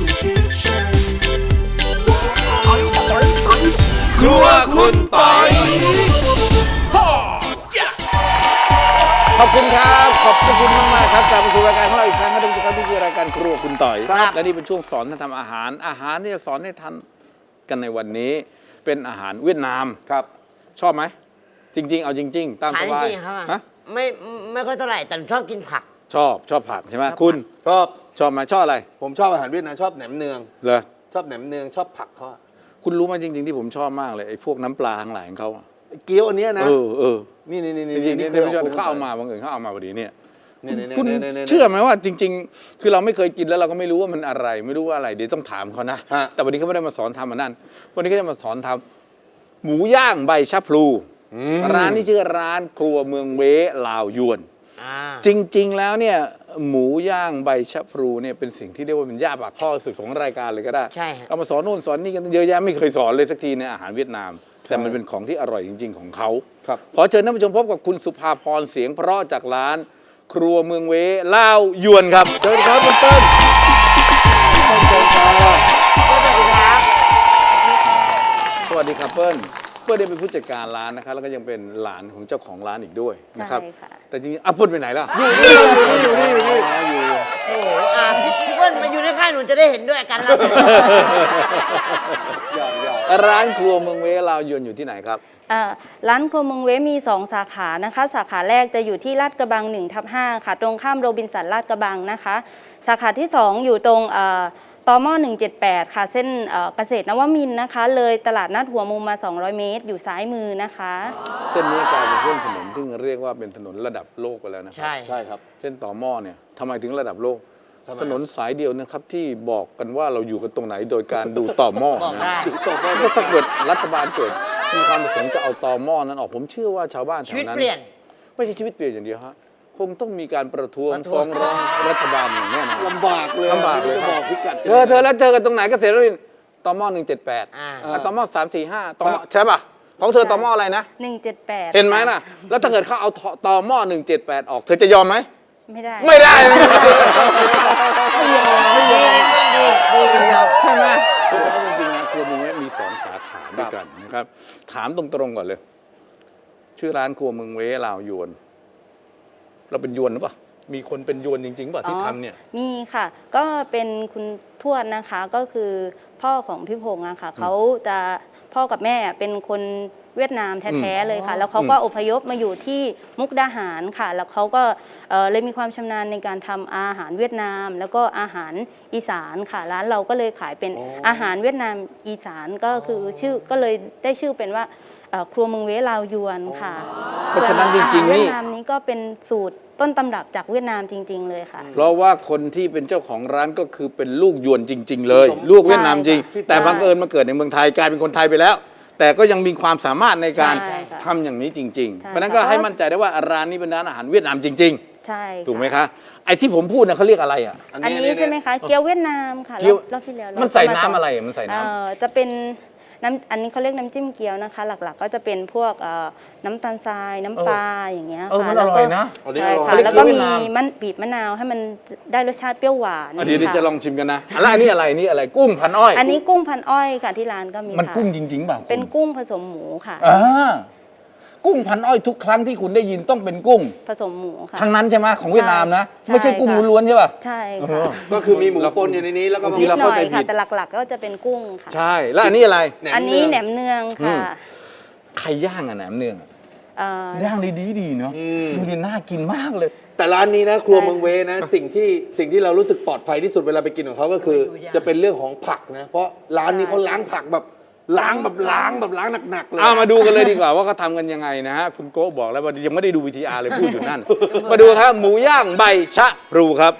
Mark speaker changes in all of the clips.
Speaker 1: ครัวคุณปอยขอบคุณครับขอบคุณมากๆครับกลับมาสู่รายการของเราอีกครั้งครับทุกท่านที่คือรายการครัวคุณต่อยและนี่เป็นช่วงสอนท่านทำอาหารที่จะสอนให้ท่านกันในวันนี้เป็นอาหารเวียดนามครับชอบไหมจริงๆเอาจริงๆตามสบาย
Speaker 2: ฮะไม่ค่อยเท่าไหร่แต่ชอบกินผัก
Speaker 1: ชอบผักใช่ไหมคุณชอบไหมชอบอะไร
Speaker 3: ผมชอบอาหารเวียดนามชอบแหนมเนือง
Speaker 1: เหรอ
Speaker 3: ชอบแหนมเนืองชอบผักเขา
Speaker 1: คุณรู้ไหมจริงๆที่ผมชอบมากเลยไอ้พวกน้ำปลาทั้งหลายของเขา
Speaker 3: เกี๊ยวอันนี้นะนี่
Speaker 1: จริงๆไม่ใช่เขาเอามาบางอื่นเขาเอามาพอดีเนี่ยคุณเชื่อไหมว่าจริงๆคือเราไม่เคยกินแล้วเราก็ไม่รู้ว่ามันอะไรไม่รู้ว่าอะไรเดี๋ยวต้องถามเขานะแต่วันนี้เขาไม่ได้มาสอนทำมันนั่นวันนี้เขาจะมาสอนทำหมูย่างใบชะพลูร้านนี้ชื่อร้านครัวเมืองเวลาวยวนจริงๆแล้วเนี่ยหมูย่างใบชะพลูเนี่ยเป็นสิ่งที่เรียกว่าเป็นย่าปากข้อสุดของรายการเลยก็ได้เอามาสอนโน่นสอนนี่กันเยอะแยะไม่เคยสอนเลยสักทีในอาหารเวียดนามแต่มันเป็นของที่อร่อยจริงๆของเขาขอเชิญท่านผู้ชมพบกับคุณสุภาพรเสียงเพราะจากร้านครัวเมืองเวลาวยวนครับเชิญครับคุณเปิ้ลสวัสดีครับเปิ้ลได้เป็นผู้จัดการร้านนะครับแล้วก็ยังเป็นหลานของเจ้าของร้านอีกด้วยนะครับแต่จริงๆปุ้นไปไหนล่ะอยู่นี่
Speaker 2: โอ้โหพี่เปิ้ลมาอยู่ในค่ายหนูจะได้เห็นด้วยกันแล้ว
Speaker 1: ร้านครัวเมืองเวลาวยวนอยู่ที่ไหนครับ
Speaker 4: ร้านครัวเมืองเวมี2 สาขานะคะสาขาแรกจะอยู่ที่ลาดกระบัง 1/5 ค่ะตรงข้ามโรบินสันลาดกระบังนะคะสาขาที่2อยู่ตรงตม178ค่ะเส้นเกษตรนวมินทร์นะคะเลยตลาดนัดหัวมุมมา200 เมตรอยู่ซ้ายมือนะคะ
Speaker 1: เส้นนี้กลายเป็นเส้นถนนที่เรียกว่าเป็นถนนระดับโลกไปแล้วนะครับ
Speaker 3: ใช่ครับ
Speaker 1: เส้นต่อหม้อเนี่ยทำไมถึงระดับโลกถนนสายเดียวนะครับที่บอกกันว่าเราอยู่กันตรงไหนโดยการดูต่อหม้อนะถ้าเกิดรัฐบาลเกิดมีความประสงค์จะเอาต่อหม้อนั้นออกผมเชื่อว่าชาวบ้านแถวนั้นไม่ใช่ชีวิตเปลี่ยนอย่างเดียวฮะคงต้องมีการประท้วงฟ้องร้องรัฐบาลอย่างแน่นอน
Speaker 3: ลำบากเลย
Speaker 1: บอกพิกัดเธอแล้วเจอกันตรงไหนเกษตรนวมินทร์ต่อหม้อ178ต่อหม้อ345ต่อหม้อใช่ป่ะของเธอต่อหม้ออะไรนะ
Speaker 4: 178
Speaker 1: เห็นไหมน่ะแล้วถ้าเกิดเขาเอาต่อหม้อ178ออกเธอจะยอมไหม
Speaker 4: ไม่ได้
Speaker 1: ไม่ยอมใช่ไหมจริงๆนะครัวเมืองเวมี2 สาขาด้วยกันนะครับถามตรงๆก่อนเลยชื่อร้านครัวเมืองเวลาวยวนเราเป็นยวนหรือเปล่ามีคนเป็นยวนจริงๆป่ะที่ทำเนี่ย
Speaker 4: มีค่ะก็เป็นคุณทวดนะคะก็คือพ่อของพี่พงษ์อะค่ะเขาจะพ่อกับแม่เป็นคนเวียดนามแท้ๆเลยค่ะแล้วเขาก็อพยพมาอยู่ที่มุกดาหารค่ะแล้วเขาก็เลยมีความชำนาญในการทำอาหารเวียดนามแล้วก็อาหารอีสานค่ะร้านเราก็เลยขายเป็นอาหารเวียดนามอีสานก็คือชื่อก็เลยได้ชื่อเป็นว่าครัวเมืองเวลาวยวนค่ะ
Speaker 1: เพราะฉะนั้นจริงๆ
Speaker 4: เวียดนามนี้ก็เป็นสูตรต้นตำรับจากเวียดนามจริงๆเลยค่ะ
Speaker 1: เพราะว่าคนที่เป็นเจ้าของร้านก็คือเป็นลูกยวนจริงๆเลยลูกเวียดนามจริงแต่บังเอิญมาเกิดในเมืองไทยกลายเป็นคนไทยไปแล้วแต่ก็ยังมีความสามารถในการทำอย่างนี้จริงๆเพราะนั้นก็ให้มั่นใจได้ว่าร้านนี้เป็นร้านอาหารเวียดนามจริง
Speaker 4: ๆใช่
Speaker 1: ถูกไหมคะไอ้ที่ผมพูดนะเขาเรียกอะไรอ่ะ
Speaker 4: อันนี้ใช่ไหมคะเกี๊ยวเวียดนามค่ะรอบที่แล้ว
Speaker 1: มันใส่น้ำอะไรมันใส่น้
Speaker 4: ำจะเป็นอันนี้เขาเรียกน้ำจิ้มเกี๊ยวนะคะหลักๆก็จะเป็นพวกน้ำตาลทรายน้ำปลาอย่างเงี้ยค่ะ
Speaker 1: มันอร่อยนะ
Speaker 4: ใช่ค่ะแล้วก็มีบีบมะนาวให้มันได้รสชาติเปรี้ยวหวาน
Speaker 1: เดี๋ยวจะลองชิมกันนะแล้วอันนี้อะไรนี่อะไรกุ้งพันอ้อย
Speaker 4: อันนี้กุ้งพันอ้อยค่ะที่ร้านก็มี
Speaker 1: มันกุ้งจริงๆป่ะ
Speaker 4: เป็นกุ้งผสมหมูค่ะ
Speaker 1: กุ้งพันอ้อยทุกครั้งที่คุณได้ยินต้องเป็นกุ้ง
Speaker 4: ผสมหมูค่ะ
Speaker 1: ทั้งนั้นใช่ไหมของเวียดนามนะไม่ใช่กุ้งล้วนๆใช่ป่ะ
Speaker 4: ใช่ค่ะ
Speaker 3: ก็คือมีหมูปนอยู่ในนี้แล้วก็
Speaker 4: นิดหน่อยค่ะแต่หลักๆก็จะเป็นกุ้งค่ะ
Speaker 1: ใช่แล้วอันนี้อะไร
Speaker 4: อันนี้แหนมเนืองค่ะ
Speaker 1: ใครย่างอะแหนมเนืองย่างดีเนาะดูดิน่ากินมากเลย
Speaker 3: แต่ร้านนี้นะครัวเมืองเวนะสิ่งที่เรารู้สึกปลอดภัยที่สุดเวลาไปกินของเขาก็คือจะเป็นเรื่องของผักนะเพราะร้านนี้เขาล้างผักแบบล้างหนักๆเลย
Speaker 1: มาดูกันเลยดีกว่าว่าเขาทำกันยังไงนะฮะคุณโก้บอกแล้วว่ายังไม่ได้ดู VTR เลยพูดอยู่นั่น มาดูครับหมูย่างใบชะพลูครับ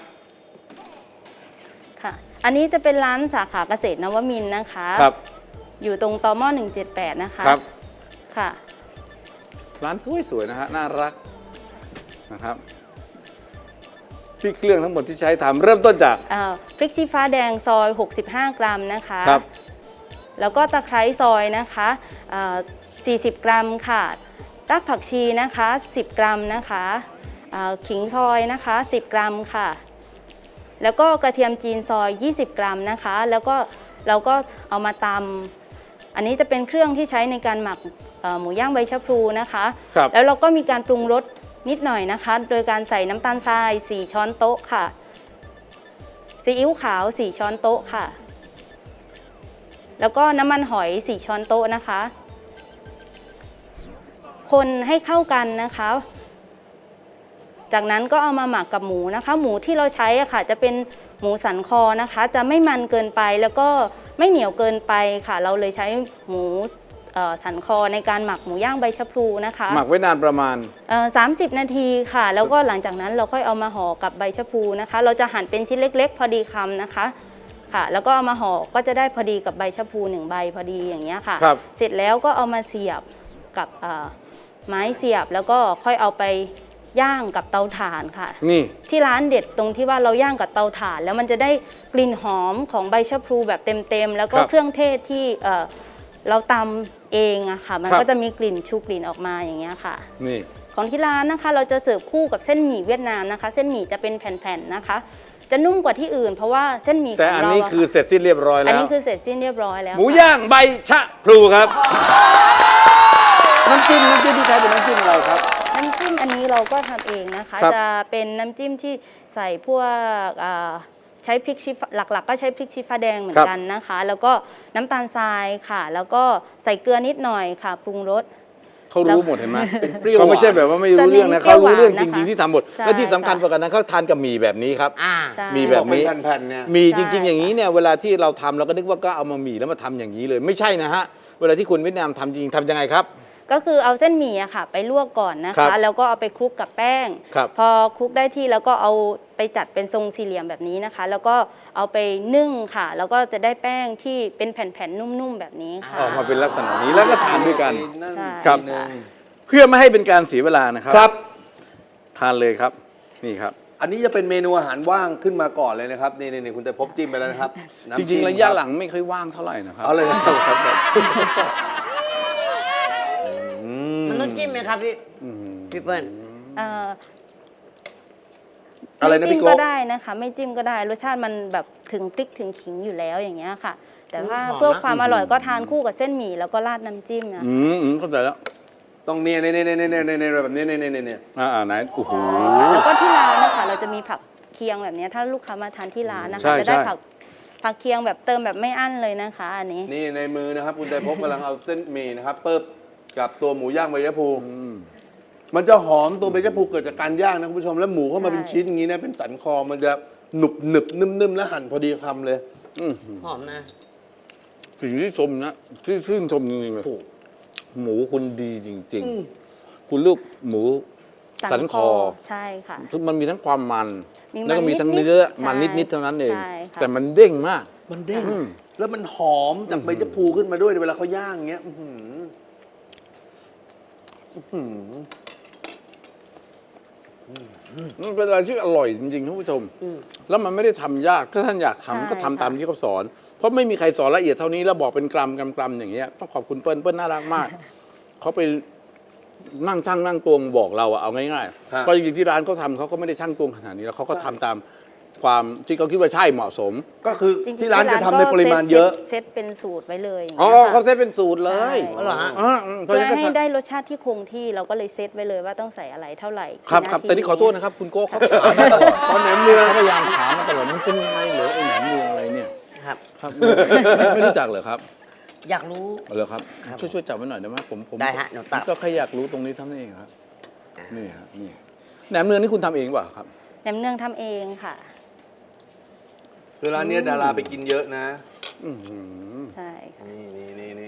Speaker 4: ค่ะอันนี้จะเป็นร้านสาขาเกษตรนวมินทร์นะคะ
Speaker 1: ครับ
Speaker 4: อยู่ตรงตม178นะคะ
Speaker 1: ครับ
Speaker 4: ค่ะ
Speaker 1: ร้านสวยๆนะฮะน่ารักนะครับที่เครื่องทั้งหมดที่ใช้ทำเริ่มต้นจาก
Speaker 4: พริกชี้ฟ้าแดงซอย65 กรัมนะคะ
Speaker 1: ครับ
Speaker 4: แล้วก็ตะไคร้ซอยนะคะ40 กรัมค่ะรากผักชีนะคะ10 กรัมนะคะขิงซอยนะคะ10 กรัมค่ะแล้วก็กระเทียมจีนซอย20 กรัมนะคะแล้วก็เราก็เอามาตำอันนี้จะเป็นเครื่องที่ใช้ในการหมักหมูย่างใบชะพลูนะคะ
Speaker 1: ครับ
Speaker 4: แล้วเราก็มีการปรุงรสนิดหน่อยนะคะ โดยการใส่น้ำตาลทราย4 ช้อนโต๊ะค่ะซีอิ๊วขาว4 ช้อนโต๊ะค่ะแล้วก็น้ำมันหอย4 ช้อนโต๊ะนะคะคนให้เข้ากันนะคะจากนั้นก็เอามาหมักกับหมูนะคะหมูที่เราใช้อะค่ะจะเป็นหมูสันคอนะคะจะไม่มันเกินไปแล้วก็ไม่เหนียวเกินไปค่ะเราเลยใช้หมูสันคอในการหมักหมูย่างใบชะพลูนะคะ
Speaker 1: หมักไว้นานประมาณ
Speaker 4: 30 นาทีค่ะแล้วก็หลังจากนั้นเราค่อยเอามาห่อกับใบชะพลูนะคะเราจะหั่นเป็นชิ้นเล็กๆ พอดีคำนะคะค่ะแล้วก็เอามาห่อก็จะได้พอดีกับใบชะพลู1 ใบพอดีอย่างเงี้ยค่ะ
Speaker 1: ครับ
Speaker 4: เสร็จแล้วก็เอามาเสียบกับไม้เสียบแล้วก็ค่อยเอาไปย่างกับเตาถ่านค่ะ
Speaker 1: นี่
Speaker 4: ที่ร้านเด็ดตรงที่ว่าเราย่างกับเตาถ่าน แล้วมันจะได้กลิ่นหอมของใบชะพลูแบบเต็มๆแล้วก็
Speaker 1: ครับ
Speaker 4: เครื่องเทศที่เราตำเองอะค่ะมัน
Speaker 1: ครับ
Speaker 4: ก็จะมีกลิ่นชูกลิ่นออกมาอย่างเงี้ยค่ะ
Speaker 1: นี่
Speaker 4: ของที่ร้านนะคะเราจะเสิร์ฟคู่กับเส้นหมี่เวียดนามนะคะ เส้นหมี่จะเป็นแผ่นๆนะคะ จะนุ่มกว่าที่อื่น เพราะว่าเส้นหมี่ข
Speaker 1: แต่
Speaker 4: อง
Speaker 1: อัน
Speaker 4: เรา
Speaker 1: นี้
Speaker 4: อะ
Speaker 1: คือเสร็จสิ้นเรียบร้อย
Speaker 4: อัน
Speaker 1: แล้ว
Speaker 4: นี้คือเสร็จสิ้นเรียบร้อยแล้ว
Speaker 1: หมู
Speaker 4: ค่ะ
Speaker 1: ย่างใบชะพลูครับ น้ำจิ้มที่ใช้เป็นน้ำจิ้มอะไรครับ
Speaker 4: น้ำจิ้มอันนี้เราก็ทำเองนะคะ
Speaker 1: ครับ
Speaker 4: จะเป็นน้ำจิ้มที่ใส่พวกใช้พริกชี้ฟ้าหลักๆ ก็ใช้พริกชี้ฟ้าแดงเหมือนกันนะคะ แล้วก็น้ำตาลทรายค่ะ แล้วก็ใส่เกลือนิดหน่อยค่ะปรุงรส
Speaker 1: เขารู้หมดเห็นไหม
Speaker 3: เป็นเปรี้ยว
Speaker 1: เขาไม่ใช่แบบว่าไม่รู้เรื่องนะ
Speaker 4: จะเน้น
Speaker 1: เขารู้เรื่อง
Speaker 4: เปรี้
Speaker 1: จ
Speaker 4: ยวหวานนะคะ
Speaker 1: ริงๆที่ทำหมด
Speaker 4: ใช่
Speaker 1: และที่สำคัญกว่านั้นเขาทานกับหมี่แบบนี้ครับ
Speaker 2: ๆ
Speaker 4: ใช่
Speaker 1: มีแบบนี้
Speaker 3: เป็นแผ่นๆเนี่ย
Speaker 1: มีจริง ๆ อย่างนี้เนี่ยเวลาที่เราทำเราก็นึกว่าก็เอามาหมี่แล้วมาทำอย่างนี้เลยไม่ใช่นะฮะเวลาที่คนเวียดนามทำจริงทำยังไงครับ
Speaker 4: ก็คือเอาเส้นหมี่อะค่ะไปลวกก่อนนะ
Speaker 1: ครั
Speaker 4: คะ
Speaker 1: บ
Speaker 4: แล้วก็เอาไปคลุกกับแป้ง
Speaker 1: ครับ
Speaker 4: พอคลุกได้ที่แล้วก็เอาไปจัดเป็นทรงสี่เหลี่ยมแบบนี้นะคะ แล้วก็เอาไปนึ่งค่ะ แล้วก็จะได้แป้งที่เป็นแผ่นๆนุ่มๆแบบนี้ค่ะ
Speaker 1: ออกมาเป็นลักษณะนี้แล้วก็ทานด้วยกัน
Speaker 4: ใช่
Speaker 1: ครับ
Speaker 3: ทีนึง
Speaker 1: เพื่อไม่ให้เป็นการเสียเวลานะครั
Speaker 3: ครับ
Speaker 1: ทานเลยครับนี่ครับ
Speaker 3: อันนี้จะเป็นเมนูอาหารว่างขึ้นมาก่อนเลยนะครับนี่คุณแต่พบจิ้มไปแล้วนะครับน้ำ
Speaker 1: จ
Speaker 3: จิ้
Speaker 1: ริง
Speaker 3: ม
Speaker 1: ๆระยะ
Speaker 3: คบ
Speaker 1: หลังไม่ค่อยว่างเท่าไหร่นะครับ
Speaker 3: เอาเลยนะครับ
Speaker 1: ครับ
Speaker 2: มันต้องจิ้มไหมครับพี่
Speaker 1: อืม
Speaker 2: พี่เปิ้ล
Speaker 4: เอ่อ
Speaker 3: อะไรนะ
Speaker 4: ไม่จิ้
Speaker 3: พี่
Speaker 4: ม
Speaker 3: โก้
Speaker 4: ก็ได้นะคะ ไม่จิ้มก็ได้รสชาติมันแบบถึงพริกถึงขิงอยู่แล้วอย่างเงี้ยค่ะ แต่ว่า
Speaker 2: หอมนะ
Speaker 4: เพื่อความอร่อยก็ทานคู่กับเส้นหมี่แล้วก็ราดน้ำจิ้มนะ
Speaker 1: เข้าใจแล้ว
Speaker 3: ต้องเนี่ยแบบนี้เนี่ย
Speaker 1: ไหนโอ้โห
Speaker 4: แล้วก็ที่ร้านนะคะเราจะมีผักเคียงแบบเนี้ยถ้าลูกค้ามาทานที่ร้านนะ
Speaker 1: ใช่
Speaker 4: คะจะได้
Speaker 1: ใช่
Speaker 4: ผักเคียงแบบเติมแบบไม่อั้นเลยนะคะอันนี้
Speaker 3: นี่ในมือนะครับคุณแต่พบกำลังเอาเส้นหมี่นะครับเปิบกับตัวหมูย่างใบชะพูมันจะหอมตัวใบชะพูเกิดจากการย่างนะคุณผู้ชมแล้วหมูเข้ามาเป็นชิ้นอย่างนี้นะเป็นสันคอมันจะหนึบนุ่มๆแล้วหั่นพอดีคำเลย
Speaker 2: หอมนะ
Speaker 1: สิ่งที่ชมนะที่ชื่นชมจริงๆเลย
Speaker 3: ถูก
Speaker 1: หมูคุณดีจริง ๆ คุณลูกหมูสันคอ
Speaker 4: ใช่ค่ะ
Speaker 1: มันมีทั้งความมัน
Speaker 4: มีมัน
Speaker 1: แล้วก็มีทั้ง
Speaker 4: นิดๆ
Speaker 1: เนื้อ
Speaker 4: ใช่
Speaker 1: มันนิดๆเท่านั้นเอง
Speaker 4: ใช่ค่ะ
Speaker 1: แต่มันเด้งมาก
Speaker 3: มันเด้ง
Speaker 1: อืม
Speaker 3: แล้วมันหอมจากใบชะพูขึ้นมาด้วยเวลาเขาย่างอย่างเงี้ยอื้อหืออื้อหือ
Speaker 1: มันเป็นอะไรที่อร่อยจริงๆท่านผู้ชม แล้วมันไม่ได้ทำยากถ้าท่านอยากทำก็ทำตามที่เขาสอน เพราะไม่มีใครสอนละเอียดเท่านี้แล้วบอกเป็นกรัมอย่างเงี้ยต้องขอบคุณเปิ้ลน่ารักมาก เขาไปนั่งช่างนั่งตวงบอกเราอะเอาง่ายๆก็จริงๆที่ร้านเขาทำเขาก็ไม่ได้ช่างตวงขนาดนี้แล้วเขาก็ทำตามความที่เขาคิดว่าใช่เหมาะสม
Speaker 3: ก็คือ
Speaker 4: จงๆ
Speaker 3: ที่ร้านจะทำในปริมาณเยอะ
Speaker 4: เซตเป็นสูตรไว้เลยอย่าง
Speaker 1: อ๋อ
Speaker 4: เงี้ยค่ะ
Speaker 1: เขาเซตเป็นสูตรเลย
Speaker 4: ใช่
Speaker 2: เหรอฮะ
Speaker 1: เพราะ
Speaker 4: เพื่
Speaker 1: ฉะ
Speaker 4: อ
Speaker 1: นั้นก็
Speaker 4: ให้ได้รสชาติที่คงที่เราก็เลยเซตไว้เลยว่าต้องใส่อะไรเท่าไหร่
Speaker 1: ครับ
Speaker 4: กี่
Speaker 1: ครับ
Speaker 4: าที
Speaker 1: แต่นี่ขอโทษนะครับ คุณโก้เขาถามมาตลอด
Speaker 3: ตอนแหนมเนือง
Speaker 1: เขาพยายามถามมาตลอดมันเป็นยังไงเหรอไอ้แหนมเนืองอะไรเนี่ย
Speaker 2: ครับ
Speaker 1: ครับไม่รู้จักเหรอครับ
Speaker 2: อยากรู้
Speaker 1: เหรอครับ
Speaker 2: ครับ
Speaker 1: ช่วยจับไว้หน่อยได้ไหมผม
Speaker 2: ได้ฮะหนูตัด
Speaker 1: ก็แค่อยากรู้ตรงนี้เท่านั้นเองครับนี่ครับนี่แหนมเนืองนี่คุณทำเองเปล่าครับ
Speaker 4: แหนมเนืองทำเองค่ะ
Speaker 3: คือร้านเนี้ยดาราไปกินเยอะนะ
Speaker 1: อื้อหือ
Speaker 4: ใช่ค่ะ
Speaker 3: นี่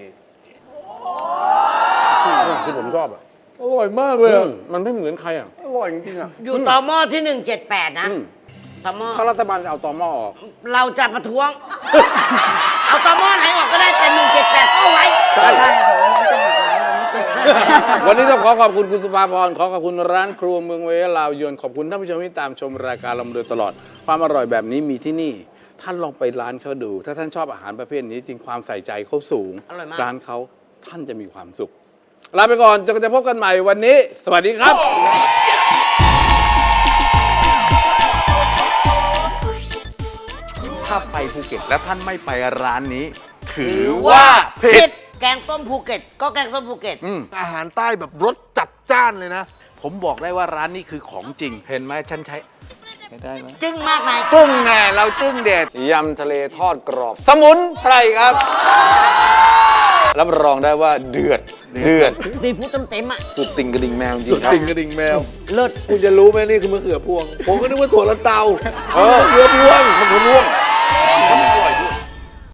Speaker 1: ที่ผมชอบอ่ะ
Speaker 3: อร่อยมากเลยอะ
Speaker 1: มันไม่เหมือนใครอ่ะ
Speaker 3: อร่อยจริงๆอ่ะ
Speaker 2: อยู่ต่อหม้อที่ 178 นะ
Speaker 1: อืม
Speaker 2: ต่อหม้อ
Speaker 1: ถ้ารัฐบาลจะเอาตอหม้อออก
Speaker 2: เราจะประท้วง เอาต่อหม้อไหนออกก็ได้แต่178ก็ไว้
Speaker 4: ใช่ค่ะวันนี้จะหาร้านเราไม่เจอ
Speaker 1: วันนี้ต้องขอขอบคุณคุณสุภาพรขอขอบคุณร้านครัวเมืองเวยลาวยวนขอบคุณท่านผู้ชมที่ตามชมรายการเรามาโดยตลอด ความอร่อยแบบนี้มีที่นี่ ท่านลองไปร้านเขาดู ถ้าท่านชอบอาหารประเภทนี้จริงความใส่ใจเขาสูง
Speaker 2: อร่อยมาก
Speaker 1: ร้านเขาท่านจะมีความสุขลาไปก่อนจะพบกันใหม่วันนี้ สวัสดีครับถ้าไปภูเก็ตและท่านไม่ไปร้านนี้ ถือว่าผิด
Speaker 2: แกงต้มภูเก็ตก็แกงต้มภูเก็ต
Speaker 5: อาหารใต้แบบรสจัดจ้านเลยนะ
Speaker 1: ผมบอกได้ว่าร้านนี้คือของจริง เห็นไหมฉันใช้ได้ไหม
Speaker 2: จึ้งมากนาย
Speaker 1: กุ้งไงเราจึ้งเด็ดยำทะเลทอดกรอบ สมุนไพรครับ รับรองได้ว่าเดือด
Speaker 2: ดีพูดเต็มๆอ่ะ
Speaker 1: สุดติ่งกระดิ่งแมวจริ
Speaker 3: สุด
Speaker 1: งครับ
Speaker 3: ติ่งกระดิ่งแมว
Speaker 2: เลิศ
Speaker 3: คุณจะรู้ไหมนี่คือมะเขือพวง ผมก็นึกว่าถั่วลันเตา
Speaker 1: เออ
Speaker 3: มะเขือพวง
Speaker 1: มะเขือพวง